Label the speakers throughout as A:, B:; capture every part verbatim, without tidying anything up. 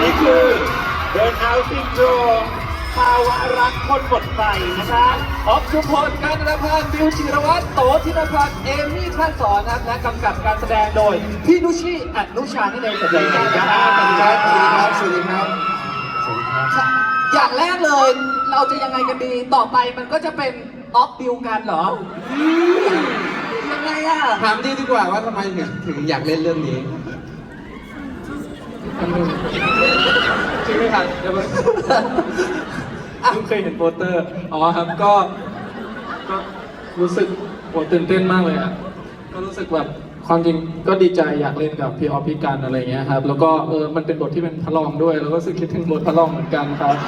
A: นี่คือเบิร์นเอาท์ซินโดรมภาวะรักคนหมดไฟนะคะ
B: ออฟชุมพลการณพันธ์บิวจิรวัตรโตธินพันธ์เอมี่ท่านสอนนะครับและกำกับการแสดงโดยพี่นุชิอนุชาที่ในสัญญาณนะครับสวัสดีครับสวัสดีครับสวัสดีครับอย่างแรกเลยเราจะยังไงกันดีต่อไปมันก็จะเป็นออฟบิวกันเหรอยังไงอะ
C: ถามดีดีกว่าว่าทำไมถึงถึงอยากเล่นเรื่องนี้
B: จริงไหมครับเดี๋ยวเพิ่งเคยเห็นโปสเตอร์อ๋อครับก็ก็รู้สึกโหตื่นเต้นมากเลยอ่ะก็รู้สึกแบบความจริงก็ดีใจอยากเล่นกับพี่ออฟพี่กันอะไรเงี้ยครับแล้วก็เออมันเป็นบทที่เป็นพระรองด้วยแล้วก็รู้สึกคิดถึงบทพระรองเหมือนกันครับ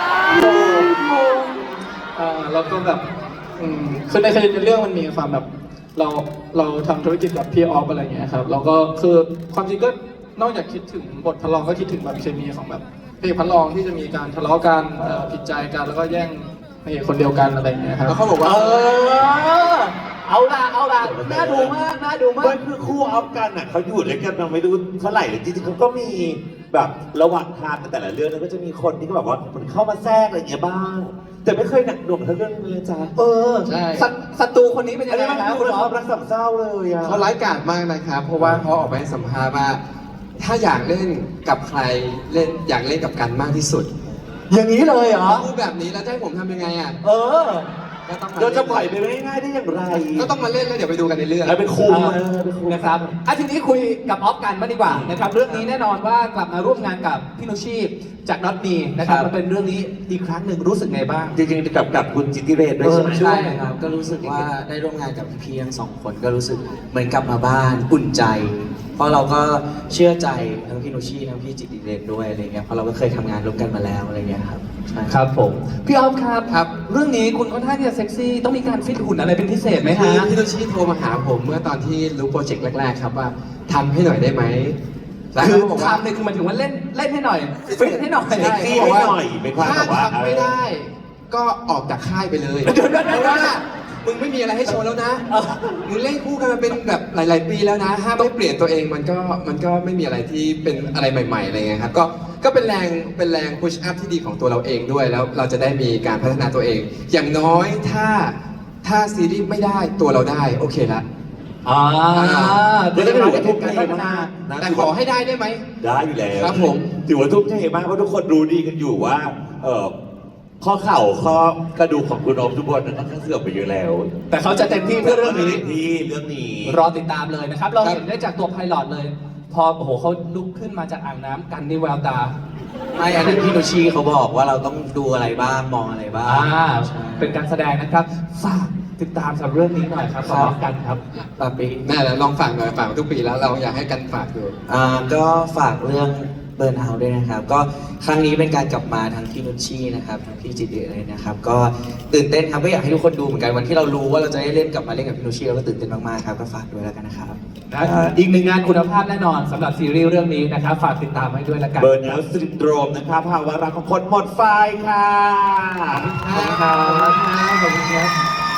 B: อ่าแล้วก็แบบอืมคือในในเรื่องมันมีความแบบเราเราทำธุรกิจกับพี่ออฟอะไรเงี้ยครับแล้วก็คือความจริงก็นอกจากคิดถึงบทพระรองก็คิดถึงแบบเคมีของแบบเพลงพระรองที่จะมีการทะเลาะกันผิดใจกันแล้วก็แย่งเพลงคนเดียวกันอะไรอย่างเงี้ยครับ
C: แล้วเขาบอกว่า
B: เออเอาละเอาละน่าดูมากน่าดูมาก
A: มันคือคู่ออฟกันอ่ะเขาอยู่ด้วยกันมาไม่รู้เท่าไหร่เลยจริงๆเขาก็มีแบบระหว่างทางแต่ละเรื่องนั้นก็จะมีคนที่ก็แบบว่ามันเข้ามาแทรกอะไรอย่างเงี้ยบ้างแต่ไม่เคยหนักหน่วงเท่าเรื่องนี้เลยจ้า
B: เออใช่ศัตรูคนนี้เป็นยังไงครับ
A: คุณออฟรักสามเศร้าเลยอ่ะ
C: เขาร้ายกาจมากนะครับเพราะว่าเขาออกไปให้สัมภาษณ์ว่าถ้าอยากเล่นกับใครเล่นอยากเล่นกับกันมากที่สุด
B: อย่างนี้เลยเหรอ
C: พูดแบบนี้แล้วจะให้ผมทำยังไงอ่ะ
B: เออ
A: เราจะปล่อยไปง่ายๆได้อย่างไร
C: ก็ต้องมาเล่นแล้วเดี๋ยวไปดูกันในเรื่อง
A: แล้วเป็นครู
B: นะครับอ่ะทีนี้คุยกับออฟกันบ้างดีกว่านะครับเรื่องนี้แน่นอนว่ากลับมาร่วมงานกับพี่นุชีพจากน็อตมีนะครับมันเป็นเรื่องนี้อีกครั้งหนึ่งรู้สึกไงบ้าง
A: จริงๆกับกับคุณจิตติเรศด้วยใช่ไหม
D: ใช่ครับก็รู้สึกว่าได้ร่วมงานกับพี่ๆทั้งสองคนก็รู้สึกเหมือนกลับมาบ้านอุ่นใจเพราะเราก็เชื่อใจทั้งพี่นุชชีทั้งพี่จิตติเรศด้วยอะไรเงี้ยเพราะเราก็เคยทำงานร่วมกันมาแล้วอะไรเงี้ยครับ
B: ครับผมพี่ออฟครับครับเรื่องนี้คุณค่อนข้างที่จะเซ็กซี่ต้องมีการฟิตหุ่นอะไรเป็นพิเศษไหมฮะ
C: พี่นุชชีโทรมาหาผมเมื่อตอนที่รู้โปรเจกต์แรกๆครับว่าทำให้หน่อยได้ไหม
B: คือทำเนี่ยคือหมายถึงว่าเล่นเล่นให้หน่อยฟิตให้หน่อย
A: เซ็กซี่ให้หน่อยเป็นความแบบว่า
C: ทำไม่ได้ก็ออกจากค่ายไปเลยเพราะว่ามึงไม่มีอะไรให้โชว์แล้วนะมึงเล่นคู่กันมาเป็นแบบหลายๆปีแล้วนะถ้าไม่เปลี่ยนตัวเองมันก็มันก็ไม่มีอะไรที่เป็นอะไรใหม่ๆอะไรเงี้ยครับก็ก็เป็นแรงเป็นแรงพุชอัพที่ดีของตัวเราเองด้วยแล้วเราจะได้มีการพัฒนาตัวเอง อย่างน้อยถ้าถ้าซีรีส์ไม่ได้ตัวเราได้โอเคละ
B: อ่า
A: เดี๋ยวจะถือว่าทุ่มเทมาก
C: แต่ขอให้ได้ได้ไหม
A: ได้อยู่แล้ว
C: ครับผม
A: ถือว่าทุ่มเทมากเพราะทุกคนรู้ดีกันอยู่ว่าเออข้อเข่าข้อกระดูกของคุณอมทุกคนนั้นก็เสื่อมไปเยอะแล้ว
B: แต่เขาจะเต็มที่เพื่อเรื่องนี้
A: ที่เรื่องนี้
B: รอติดตามเลยนะครับเราเห็นได้จากตัวไพลอตเลย พอโอ้โหเขาลุกขึ้นมาจากอ่างน้ำกันในแววตา
D: ไม่อันนั้นพี่นุชชีเขาบอกว่าเราต้องดูอะไรบ้างมองอะไรบ้าง
B: อ่าเป็นการแสดงนะครับฝากติดตามสำหรับเรื่องนี้หน่อยครับขอกันครับ
C: ปาปีแม่แล้วลองฝากหน่อยฝากทุกปีแล้วเราอยากให้กันฝากดู
D: อ่าก็ฝากเรื่องเบิร์นเอาท์ด้วยนะครับก็ครั้งนี้เป็นการกลับมาทั้งพี่นุชชีนะครับทั้งพี่จิตติเลยนะครับก็ตื่นเต้นครับก็อยากให้ทุกคนดูเหมือนกันวันที่เรารู้ว่าเราจะได้เล่นกลับมาเล่นกับพี่นุชชีเราก็ตื่นเต้นมากๆครับก็ฝากด้วยแล้วกันนะครับ
B: อีกหนึ่งงานคุณภาพแน่นอนสำหรับซีรีส์เรื่องนี้นะครับฝากติดตามให้ด้วยแล้วกัน
A: เบิร์นเอาท์ซินโดรมนะครับภาวะรักของคนหมดไฟค่ะ
B: ขอบคุณครับขอบคุณครับ